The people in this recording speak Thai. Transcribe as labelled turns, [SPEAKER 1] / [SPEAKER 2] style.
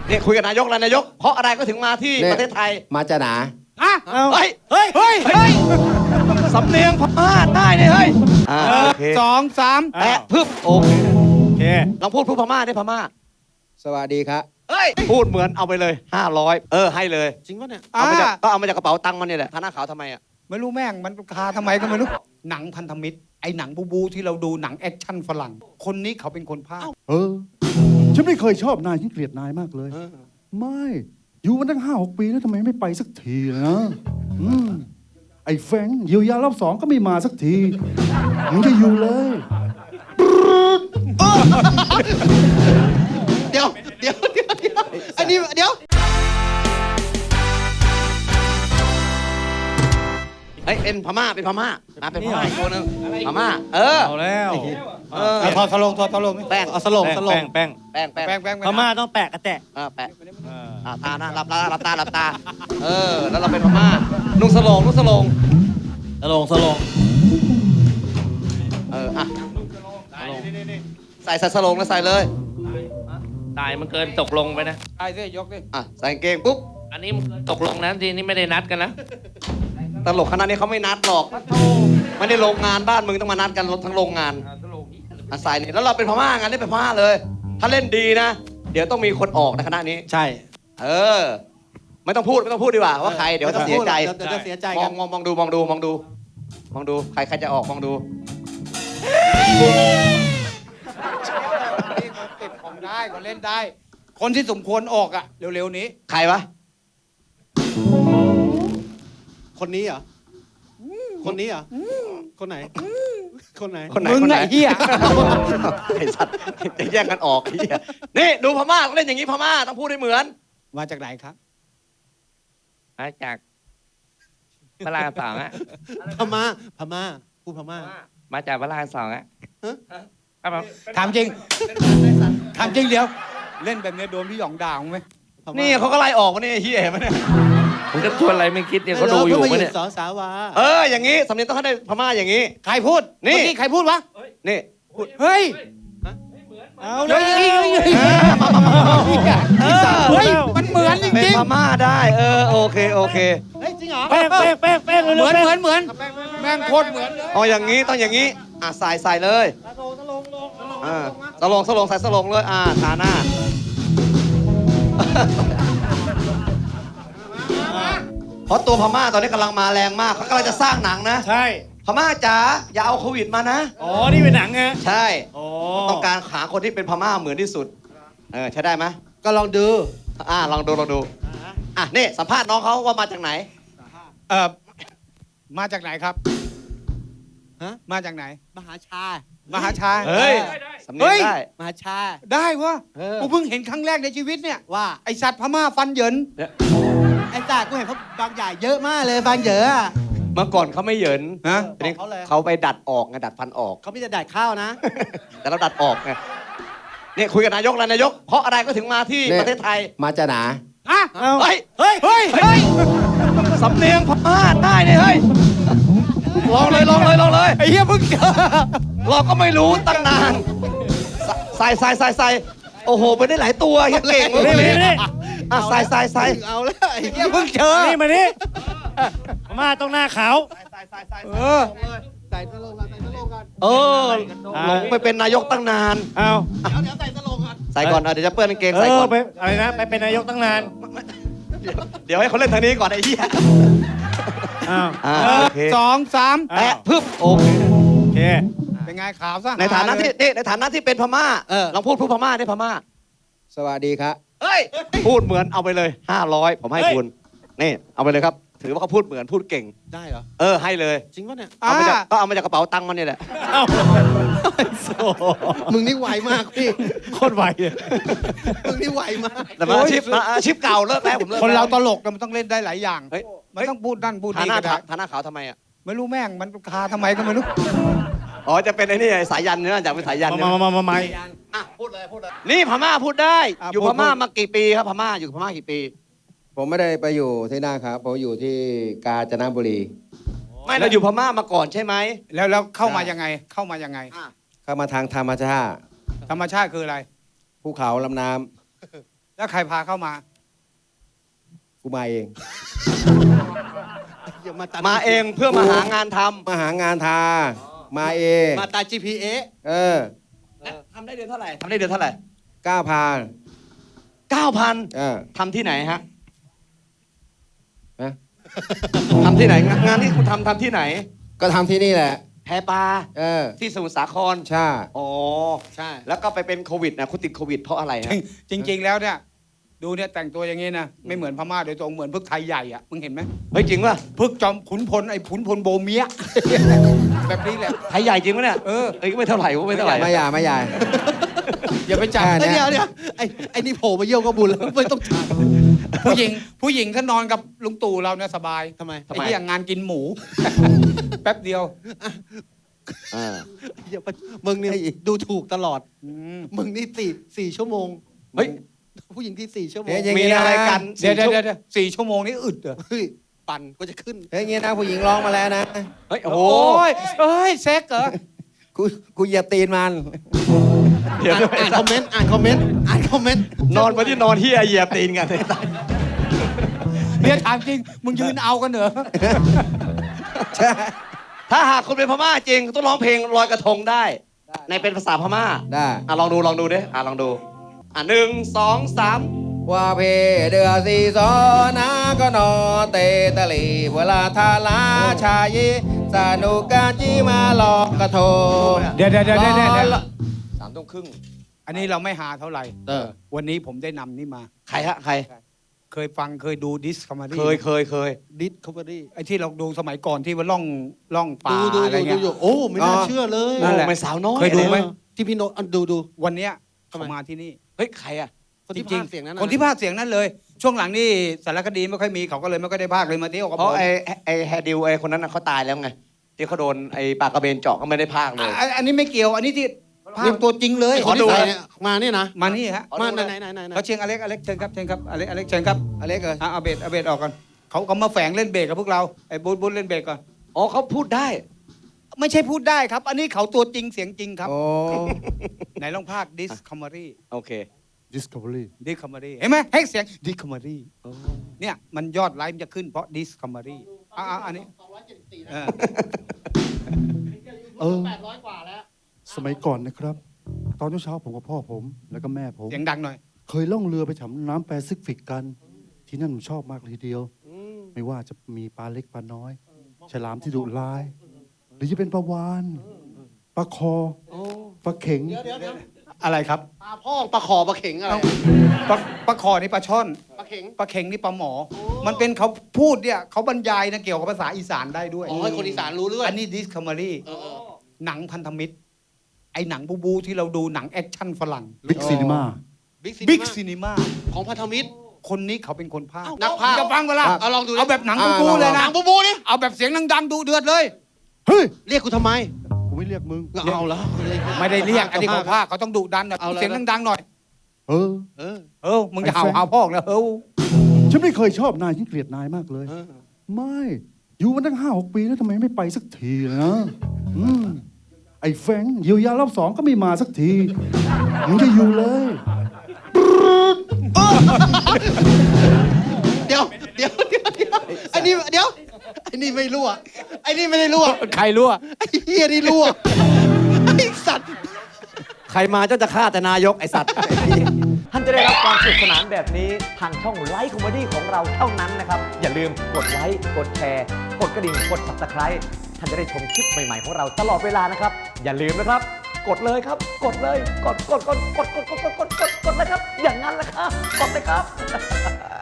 [SPEAKER 1] นี่คุยกับนายกแล้วนายกเพราะอะไรก็ถึงมาที่
[SPEAKER 2] นี่
[SPEAKER 1] ประเทศไทย
[SPEAKER 2] มาจะหนา
[SPEAKER 3] อ่ะ
[SPEAKER 1] เฮ้ย
[SPEAKER 3] เฮ้ยเฮ้ยเฮ้ย
[SPEAKER 1] สำเนียงพม่าได้เนี่ยเฮ้ยโอเค
[SPEAKER 3] สองสาม
[SPEAKER 1] แปะพึบโอเค
[SPEAKER 3] โอเค
[SPEAKER 1] ลองพูดพม่าได้พม่า
[SPEAKER 2] สวัสดีครับ
[SPEAKER 1] เฮ้ยพูดเหมือนเอาไปเลย500ให้เลย
[SPEAKER 4] จริงปะเนี่ย
[SPEAKER 1] เอามาจากก็เอามาจากกระเป๋าตังค์มันเนี่ยแหละทาหน้าขาวทำไมอ่ะ
[SPEAKER 3] ไม่รู้แม่งมันคาทำไมก็ไม่รู้ หนังพันธมิตรไอ้หนังบูที่เราดูหนังแอคชั่นฝรั่ง คนนี้เขาเป็นคนพากย์
[SPEAKER 5] ฉันไม่เคยชอบนายฉันเกลียดนายมากเลย ไม่ อยู่มาตั้ง5-6 ปีแล้วทำไมไม่ไปสักทีนะไอ้แฟรงค์เยียวยารอบ2ก็ไม่มาสักทีมึงจะอยู่เลย
[SPEAKER 4] เดี๋ยวอันนี้เดี๋ยว
[SPEAKER 1] เฮ้ยเป็นพม่าเป็นพม่าเป็นพม่าอีกตัวหนึงพม่า
[SPEAKER 3] เอาแล้ว
[SPEAKER 1] ถอด
[SPEAKER 3] ถอดสลง
[SPEAKER 1] แป้ง
[SPEAKER 4] เอาสลง
[SPEAKER 3] แป้ง
[SPEAKER 1] แป้ง
[SPEAKER 3] แป้ง
[SPEAKER 6] พม่าต้องแปะกระแตะ
[SPEAKER 1] แปะตาหน้าหลับตาหลับตาหลับตาแล้วเราเป็นพม่านุ่งสโลง
[SPEAKER 6] สลง
[SPEAKER 1] อ่ะใส่สโลงแล้วใส่เลย
[SPEAKER 6] ตายมันเกินตกลงไปนะ
[SPEAKER 3] ไอ้สิยกดิ
[SPEAKER 1] ใส่กางเกงปุ๊บ
[SPEAKER 6] อันนี้มันเกินตกลงนะทีนี้ไม่ได้นัดกันนะ
[SPEAKER 1] ตลกขนาดนี้เขาไม่นัดหรอกไม่ได้โรงงานบ้านมึงต้องมานัดกันทั้งโรงงานใส่นี่แล้วเราเป็นพม่างานนี้เป็นพม่าเลย ถ้าเล่นดีนะ เดี๋ยวต้องมีคนออกในคณะนี้
[SPEAKER 4] ใช่
[SPEAKER 1] ไม่ต้องพูดดีกว่าว่าใครเดี๋ยวจะเสียใจ
[SPEAKER 4] เดี๋ยวจะเสียใจ
[SPEAKER 1] ม
[SPEAKER 4] กั
[SPEAKER 1] อน งดูใครจะออกมองดู
[SPEAKER 3] ติดของได้ก็เล่นได้ คนที่สมควรออกอ่ะเร็วๆนี้
[SPEAKER 1] ใครวะ
[SPEAKER 4] คนนี้เหรอคนนี้เหรอคนไหนคนไหน
[SPEAKER 1] คนไหน
[SPEAKER 3] มึง
[SPEAKER 1] คนไหน
[SPEAKER 3] ไอ้เหี้ย
[SPEAKER 1] ไอ้สัตว์จะแย่งกันออกไอ้เหี้ยนี่ดูพม่าเล่นอย่างนี้พม่าต้องพูดให้เหมือน
[SPEAKER 3] มาจากไหนครับ
[SPEAKER 6] มาจากพระรามสองอะ
[SPEAKER 4] พม่าพูดพม่า
[SPEAKER 6] มาจากพระรามสองอะครับผม
[SPEAKER 3] ถามจริงเดี๋ยว เล่นแบบนี้โดนพี่หยองด่ามั้งไหม
[SPEAKER 1] นี่เขาก็ไล่ออกมาเนี่ยไอ้เหี้ยเห็นไหมเนี่ย
[SPEAKER 6] ผมจะชวนอะไรไม่คิดเนี่ยเขาดูอยู่
[SPEAKER 4] เพิ่ง
[SPEAKER 6] ปะ
[SPEAKER 4] มา
[SPEAKER 6] เนี่ย
[SPEAKER 4] สอสาวา
[SPEAKER 1] อย่างนี้สำเนียงต้องให้ได้พม่าอย่างนี้
[SPEAKER 3] ใครพูด
[SPEAKER 1] นี่
[SPEAKER 3] เมื่อกี้ใครพูดวะ
[SPEAKER 1] นี่พูด
[SPEAKER 3] เฮ้ย
[SPEAKER 6] เอา
[SPEAKER 3] เฮ้ยเฮ้ยมันเหมือนจ
[SPEAKER 1] เป็น
[SPEAKER 3] ริง
[SPEAKER 1] พม่าได้โอเค
[SPEAKER 4] เฮ้ยจริงเหรอ
[SPEAKER 6] แป้ง
[SPEAKER 3] ๆเหมือนแม่งโคตรเหมือน
[SPEAKER 1] เอาอย่างนี้ต้องอย่างนี้ใส่เลยสลงใส่สลงเลยทาหน้าเพราะตัวพม่าตอนนี้กำลังมาแรงมากเขากำลังจะสร้างหนังนะ
[SPEAKER 6] ใช่
[SPEAKER 1] พม่าจ๋าอย่าเอาโควิดมานะ
[SPEAKER 6] อ๋อนี่เป็นหนังไง
[SPEAKER 1] ใช่
[SPEAKER 6] อ๋อ
[SPEAKER 1] ต้องการหาคนที่เป็นพม่าเหมือนที่สุดใช้ได้ไหม
[SPEAKER 4] ก็ลองดู
[SPEAKER 1] ลองดูนี่สัมภาษณ์น้องเขาว่ามาจากไหน
[SPEAKER 3] มาจากไหนครับ
[SPEAKER 4] ฮะ
[SPEAKER 3] มาจากไหน
[SPEAKER 4] มหาชา
[SPEAKER 3] มหาชา
[SPEAKER 1] เฮ้ยสำเนียงได้
[SPEAKER 4] มหาชา
[SPEAKER 3] ได้วะ
[SPEAKER 1] อ
[SPEAKER 3] กูเพิ่งเห็นครั้งแรกในชีวิตเนี่ย
[SPEAKER 4] ว่า
[SPEAKER 3] ไอสัตว์พม่าฟันเหยิน
[SPEAKER 4] ไอ้จ่ากูเห็นเขาบางใหญ่เยอะมากเลยบางเยอะอะ
[SPEAKER 1] เมื่อก่อนเขาไม่เหยิน
[SPEAKER 3] ฮะ
[SPEAKER 1] ทีนี้
[SPEAKER 4] เขาเลย
[SPEAKER 1] เขาไปดัดออกไงดัดฟันออก
[SPEAKER 4] เขาไม่จะได้ข้าวนะ
[SPEAKER 1] แต่เราดัดออกไงนี่คุยกับนายกแล้วนายก เพราะอะไรก็ถึงมาที่
[SPEAKER 2] นี่
[SPEAKER 1] ประเทศไทย
[SPEAKER 2] มาจะหนา
[SPEAKER 3] อ่ะ
[SPEAKER 1] เฮ้ย
[SPEAKER 3] เฮ้ย
[SPEAKER 1] สำเนียงพม่าได้เนี่ยเฮ้ยลองเลย
[SPEAKER 3] ไอ้เหี้ยเพิ่งเจอ
[SPEAKER 1] เราก็ไม่รู้ตั้งนานใส่โอ้โหไปได้หลายตัวเฮียเก่งเลย
[SPEAKER 6] นี่
[SPEAKER 1] ใส่
[SPEAKER 4] เอาแล้วไอ้
[SPEAKER 3] เหี้ยเพิ่งเจอ
[SPEAKER 6] นี่มานี่พม่าต้องหน้าขาว
[SPEAKER 3] เออ
[SPEAKER 4] ใส่ตะลงกันใส่ตะลงกัน
[SPEAKER 1] หลงไปเป็นนายกตั้งนาน
[SPEAKER 6] เอา
[SPEAKER 4] เดี๋ยวใส่ตะลงกัน
[SPEAKER 1] ใส่ก่อนเดี๋ยวจะเปื้อนกางเกงใส่ก่อน
[SPEAKER 6] ไปอะไรนะไปเป็นนายกตั้งนาน
[SPEAKER 1] เดี๋ยวให้เขาเล่นทางนี้ก่อนไอ้เหี้ย
[SPEAKER 6] อ้าว
[SPEAKER 1] โอเค
[SPEAKER 3] สองสาม
[SPEAKER 1] แปะพึบโอเค
[SPEAKER 6] โอเค
[SPEAKER 3] เป็นไงขาวซะ
[SPEAKER 1] ในฐานะที่เป็นพม่าลองพูดพม่าได้พม่า
[SPEAKER 2] สวัสดีครับ
[SPEAKER 1] เฮ้ยพูดเหมือนเอาไปเลย500ผมให้คุณนี่เอาไปเลยครับ ถือว่าเขาพูดเหมือนพูดเก่ง
[SPEAKER 4] ได้เหรอ
[SPEAKER 1] ให้เลย
[SPEAKER 4] จริงปะเนี่ย
[SPEAKER 1] เอามาจากกระเป๋าตังค์มันนี่แหละ
[SPEAKER 6] เอ้า
[SPEAKER 4] มึงนี่ไวมากพี่
[SPEAKER 6] โคตรไวเลย
[SPEAKER 4] มึงนี่ไวมาก
[SPEAKER 1] แต่มาอาชีพเก่าเลิกแล้วผมเลิก
[SPEAKER 3] คนเรา
[SPEAKER 1] แล้ว
[SPEAKER 3] ตลกมันต้องเล่นได้หลายอย่าง
[SPEAKER 1] เฮ้ย
[SPEAKER 3] มันต้องพูดนั่นพูด
[SPEAKER 1] ทา
[SPEAKER 3] นี่
[SPEAKER 1] หน้า
[SPEAKER 3] ก็ได้
[SPEAKER 1] ทาหน้าขาวทำไมอ่ะ
[SPEAKER 3] ไม่รู้แม่งมันคาทำไมก็ไม่รู้
[SPEAKER 1] จะเป็นไอ้นี่สายยันเนี่ยอยากเป็นสายยันเนี่ย
[SPEAKER 6] มา
[SPEAKER 1] พูดเลยนี่พม่าพูดได้ อยู่พม่ามากี่ปีครับพม่าอยู่พม่ากี่ปี
[SPEAKER 2] ผมไม่ได้ไปอยู่ที่นั่นครับ ผมอยู่ที่กาญจนบุรี
[SPEAKER 1] ไม่เราอยู่พม่ามาก่อนใช่ไหม
[SPEAKER 3] แล้วเข้ามายังไง เข้าทาง
[SPEAKER 2] เข้ามาทางธรรมชาติ
[SPEAKER 3] ธรรมชาติคืออะไร
[SPEAKER 2] ภูเขาลำน้
[SPEAKER 3] แล้วใครพาเข้ามา
[SPEAKER 2] กูมาเอง
[SPEAKER 4] อย่ามาตัด
[SPEAKER 1] มาเองเพื่อมาหางานทำ
[SPEAKER 2] มาหางานทา มาเอง
[SPEAKER 4] มาตา GPS
[SPEAKER 2] เออ
[SPEAKER 1] ทำได้เดือนเท่าไหร่ทำได้เดือนเท่าไหร่
[SPEAKER 2] 9,000
[SPEAKER 1] 9,000
[SPEAKER 2] เออ
[SPEAKER 1] ทำที่ไหนฮะ
[SPEAKER 2] นะ
[SPEAKER 1] ทำที่ไหนงานที่คุณทำที่ไหน
[SPEAKER 2] ก็ทำที่นี่แหละ
[SPEAKER 1] แพปลา
[SPEAKER 2] เออ
[SPEAKER 1] ที่สมุทรสาคร
[SPEAKER 2] ใช่
[SPEAKER 1] อ๋อ
[SPEAKER 4] ใช่
[SPEAKER 1] แล้วก็ไปเป็นโควิดนะคุณติดโควิดเพราะอะไรฮะ
[SPEAKER 3] จริง ๆ แล้วเนี่ยดูเนี่ยแต่งตัวอย่างงี้นะไม่เหมือนพม่าโดยตรงเหมือนพึกไทยใหญ่อะมึงเห็นไหม
[SPEAKER 1] เฮ้ยจริงป่ะ
[SPEAKER 3] พึกจอมขุนพลไอ้ขุนพลโบเมีย แบบนี้แหละ
[SPEAKER 1] ไทยใหญ่จริงปะเนี่ย
[SPEAKER 3] เออ
[SPEAKER 1] เอ้ยไม่เท่าไหร่ไม่เท่าไหร่
[SPEAKER 2] ไม่ใหญ่ไม่ใหญ่
[SPEAKER 3] อย่าไปจับ
[SPEAKER 2] แค่
[SPEAKER 4] เอ้ย
[SPEAKER 2] เนี้ย
[SPEAKER 4] เดี๋ยวไอ้นี่โผล่มาเยี่ยวก็บุญแล้วไม่ต้องจัด
[SPEAKER 3] ผู้หญิงถ้านอนกับลุงตู่เราเนี่ยสบาย
[SPEAKER 4] ทำไม
[SPEAKER 3] ไอ้ที่อย่างงานกินหมู แป๊บเดียว
[SPEAKER 1] อ่า
[SPEAKER 4] อย่าไปมึงเนี่ยดูถูกตลอด
[SPEAKER 3] อืม
[SPEAKER 4] มึงนี่สี่ชั่วโมง
[SPEAKER 1] เฮ้ย
[SPEAKER 4] ผู้หญิงที่4 ชั่วโมง
[SPEAKER 2] เฮ้ยอย่าง
[SPEAKER 1] มี
[SPEAKER 2] งี้นะ
[SPEAKER 1] อะไรกัน
[SPEAKER 3] เดี๋ยว4 ชั่วโมงนี่อึดเหรอ
[SPEAKER 4] เฮ้ยปั่นก็จะขึ้น
[SPEAKER 2] เฮ้ยอย่างงี้นะผู้หญิงร้องมาแล้วนะ
[SPEAKER 1] เฮ้ยโอ้
[SPEAKER 3] โอ้
[SPEAKER 1] โห
[SPEAKER 3] ยเอ้ยเซ็กเหรอ
[SPEAKER 2] กูเหยียบตีนมัน
[SPEAKER 1] เดี๋ยว
[SPEAKER 4] อ่านคอมเมนต์อ่านคอมเมนต์อ่านคอมเมนต์
[SPEAKER 1] นอนมาที่นอนเฮียเหยียบตีนกัน
[SPEAKER 3] เดี๋ยวถามจริง มึงยืนเอากันเหรอ
[SPEAKER 2] ใช่
[SPEAKER 1] ถ้าหากคุณเป็นพม่าจริงต้องร้องเพลงลอยกระทงได้ ในเป็นภาษาพม่า
[SPEAKER 2] ได้
[SPEAKER 1] ลองดูดิลองดู1 2 3
[SPEAKER 2] ว่าเพเดือสีสอนาก็นอเตตะลีเวลาทาลาชายีสนุกกาจีมาลอกกระทง
[SPEAKER 3] เดี๋ยว
[SPEAKER 1] 3 ทุ่มครึ่ง
[SPEAKER 3] อันนี้เราไม่หาเท่าไหร่
[SPEAKER 1] เออ
[SPEAKER 3] วันนี้ผมได้นำนี่มา
[SPEAKER 1] ใครฮะใคร
[SPEAKER 3] เคยดูดิสคัมมารี
[SPEAKER 1] เคย
[SPEAKER 4] ดิสคัฟเวอรี่
[SPEAKER 3] ไอ้ที่เราดูสมัยก่อนที่ว่าล่องป่า
[SPEAKER 4] ดู
[SPEAKER 3] อะไรเงี้ย
[SPEAKER 4] โอ้ไม่น่าเชื่อเลย
[SPEAKER 3] นั่นแหละ
[SPEAKER 1] โอ้ไม่สาวน้อย
[SPEAKER 3] เคยดูไหม
[SPEAKER 4] ที่พี่โนตดู
[SPEAKER 3] วันเนี้ย
[SPEAKER 4] ทำไม
[SPEAKER 3] เขามาที่นี่
[SPEAKER 1] เฮ้ยใครอ่ะ
[SPEAKER 4] คนที่
[SPEAKER 3] จริ
[SPEAKER 4] พากย์เสียงนั้นนะ
[SPEAKER 3] คนที่พากย์เสียงนั้นเลย ช่วงหลังนี่สารคดีไม่ค่อยมีเขาก็เลยไม่ค่อยได้พากย์เลยมาเที่ยวกับ
[SPEAKER 1] เพ
[SPEAKER 3] ผ
[SPEAKER 1] ราะ
[SPEAKER 3] ม
[SPEAKER 1] ไอ้แฮดิวไอ้คนนั้นน่ะเขาตายแล้วไงที่เขาโดนไอ้ปากกระเบนเจาะก็ไม่ได้พากย์เลย
[SPEAKER 3] อันนี้ไม่เกี่ยวอันนี้ที่พากย์ตัวจริงเลย
[SPEAKER 4] ไอ้คนที่ใส่เนี่ยมาเนี่ยนะ
[SPEAKER 3] มานี่ฮะ
[SPEAKER 4] มาไหน
[SPEAKER 3] เขาเชียงอเล็กเชิญครับอเล็กเชิญครับ
[SPEAKER 2] อเล็กเลย
[SPEAKER 3] เอาเบสออกก่อนเขามาแฝงเล่นเบสกับพวกเราไอ้บูธเล่นเบสก่อน
[SPEAKER 1] อ๋อเขาพูดได้
[SPEAKER 3] ไม่ใช่พูดได้ครับ อันนี้เขาตัวจริงเสียงจริงครับ
[SPEAKER 2] โอ้
[SPEAKER 3] ไหนลองพากดิสคัมมารี
[SPEAKER 1] โอเค
[SPEAKER 5] Discovery
[SPEAKER 3] ดิสคัมมารีเห็นไหมให้เสียงดิสคัมมารีเนี่ยมันยอดไลค์มันจะขึ้นเพราะดิสคัมมารีอันนี้เออ
[SPEAKER 5] เออสมัยก่อนนะครับ ตอนเช้าๆผมกับพ่อผมแล้วก็แม่ผม
[SPEAKER 3] เสียงดังหน่อย
[SPEAKER 5] เคยล่องเรือไปฉำน้ำแปซิฟิกกัน ที่นั่นผมชอบมากเลยทีเดียว ไม่ว่าจะมีปลาเล็กปลาน้อย ฉลามที่ดุร้าย หรือจะเป็นปลาวานปลาคอปลาเข็ง
[SPEAKER 3] อะไรครับ
[SPEAKER 4] ปลาพ่อปลาขอปลาเข็งอะไร
[SPEAKER 3] ปลาคอนี่ปลาช่อน
[SPEAKER 4] ปลาเข็ง
[SPEAKER 3] ปลาเข็งนี่ปลาหมอ มันเป็นเขาพูดเนี่ยเขาบรรยายนะเกี่ยวกับภาษาอีสานได้ด้วย
[SPEAKER 4] อ๋อให้คนอีสานรู้เรื่อง
[SPEAKER 3] อันนี้ดิสคัมมารี
[SPEAKER 4] เออ
[SPEAKER 3] หนังพันธมิตร ไอ้หนังบูที่เราดูหนังแอคชั่นฝรั่ง
[SPEAKER 5] บิ๊กซีนีมา
[SPEAKER 3] บิ๊กซีนีมา
[SPEAKER 4] ของพันธมิตร
[SPEAKER 3] คนนี้เขาเป็นคนพากย์
[SPEAKER 4] เอ้านักพากย์
[SPEAKER 3] จะฟังเวลา
[SPEAKER 4] เอาลองดูดิ
[SPEAKER 3] เอาแบบหนังบูเลย
[SPEAKER 4] ห
[SPEAKER 3] นะ
[SPEAKER 4] นังบูนี่
[SPEAKER 3] เอาแบบเสียงดังๆดูเดือดเลย
[SPEAKER 5] เฮ้ย
[SPEAKER 4] เรียกกูทำไม
[SPEAKER 5] กูไม่เรียกมึง
[SPEAKER 4] เอาแล้ว
[SPEAKER 3] ไม่ได้เรียกอันนี้เขาพากย์เขาต้องดุดันแบบ
[SPEAKER 4] เอาแล้ว
[SPEAKER 3] เสียงดังๆหน่อย
[SPEAKER 5] เออ
[SPEAKER 4] เออ
[SPEAKER 3] มึงจะเห่าพ่อแล้ว
[SPEAKER 5] ฉันไม่เคยชอบนายฉันเกลียดนายมากเลย ไม่ อยู่มาตั้ง5-6 ปีแล้วทำไมไม่ไปสักทีนะไอ้แฟรงค์เยียวยารอบ2ก็ไม่มาสักทีมึงจะอยู่เลย
[SPEAKER 4] เดี๋ยวไอ้นี่เดี๋ยวไอ้นี่ไม่รั่วไอ้นี่ไม่ได้รั่ว
[SPEAKER 3] ใครรั่ว
[SPEAKER 4] ไอ้เฮียนี่รั่วไอ้สัตว์
[SPEAKER 1] ใครมาเจ้าจะฆ่าแต่นายกไอสัตว์ ท่านจะได้รับความสนุกสนานแบบนี้ทางช่องไลฟ์คอมเมดี้ของเราเท่านั้นนะครับ อย่าลืมกดไลค์กดแชร์กดกระดิ่งกด Subscribe ท่านจะได้ชมคลิปใหม่ๆของเราตลอดเวลานะครับ อย่าลืมนะครับ กดเลยครับ กดเลยกดเลยครับ อย่างนั้นแหละครับ กดเลยครับ